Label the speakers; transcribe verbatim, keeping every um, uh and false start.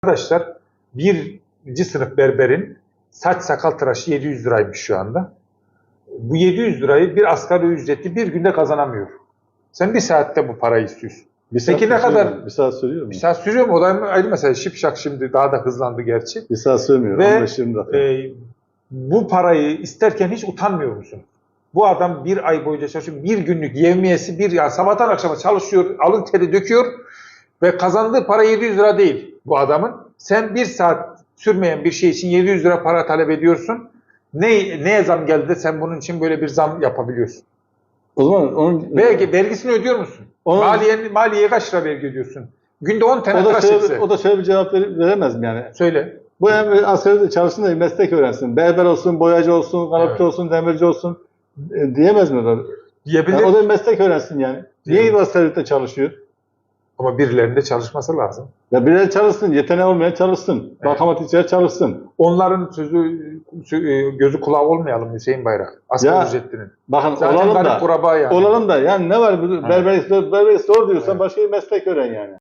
Speaker 1: Arkadaşlar birinci sınıf berberin saç sakal tıraşı yedi yüz liraymış şu anda. Bu yedi yüz lirayı bir asgari ücretli bir günde kazanamıyor. Sen bir saatte bu parayı istiyorsun.
Speaker 2: Bir saat
Speaker 1: Peki ne kadar?
Speaker 2: mu? Bir saat sürüyor mu?
Speaker 1: Bir saat sürüyor mu? O da ayrı mesele. Şipşak şimdi daha da hızlandı gerçi.
Speaker 2: Bir saat sürmüyor.
Speaker 1: Ve
Speaker 2: on beş yirmi dakika.
Speaker 1: e, bu parayı isterken hiç utanmıyor musun? Bu adam bir ay boyunca çalışıyor. Bir günlük yevmiyesi bir ya sabahtan akşama çalışıyor. Alın teri döküyor. Ve kazandığı para yedi yüz lira değil bu adamın. Sen bir saat sürmeyen bir şey için yedi yüz lira para talep ediyorsun. Ne, neye zam geldi de sen bunun için böyle bir zam yapabiliyorsun?
Speaker 2: O zaman onun
Speaker 1: Vergi, vergisini ödüyor musun?
Speaker 2: Onun-
Speaker 1: Maliye, maliyeye kaç lira vergi ödüyorsun? Günde on tane
Speaker 2: o da
Speaker 1: tıraş
Speaker 2: şöyle,
Speaker 1: etse.
Speaker 2: o da şöyle bir cevap ver- veremez mi yani?
Speaker 1: Söyle.
Speaker 2: Bu hem asgari çalışsın da meslek öğrensin. Berber olsun, boyacı olsun, kanatçı
Speaker 1: Evet.
Speaker 2: olsun, demirci olsun e, diyemez mi o da?
Speaker 1: Diyebilir.
Speaker 2: Yani o da bir meslek öğrensin yani. Niye
Speaker 1: Evet.
Speaker 2: asgari çalışıyor?
Speaker 1: Ama birilerinin de çalışması lazım.
Speaker 2: Ya birileri çalışsın, yeteneği olmayan çalışsın.
Speaker 1: Evet.
Speaker 2: Matematikçiler çalışsın.
Speaker 1: Onların sözü, sö- gözü kulağı olmayalım Hüseyin Bayrak. Asgari
Speaker 2: Ya,
Speaker 1: ücretlinin.
Speaker 2: Bakın
Speaker 1: Zaten
Speaker 2: olalım
Speaker 1: garip
Speaker 2: da,
Speaker 1: kuraba yani.
Speaker 2: olalım da yani ne var? Berberlik zor, berberlik zor diyorsan
Speaker 1: Evet.
Speaker 2: başka bir meslek öğren yani.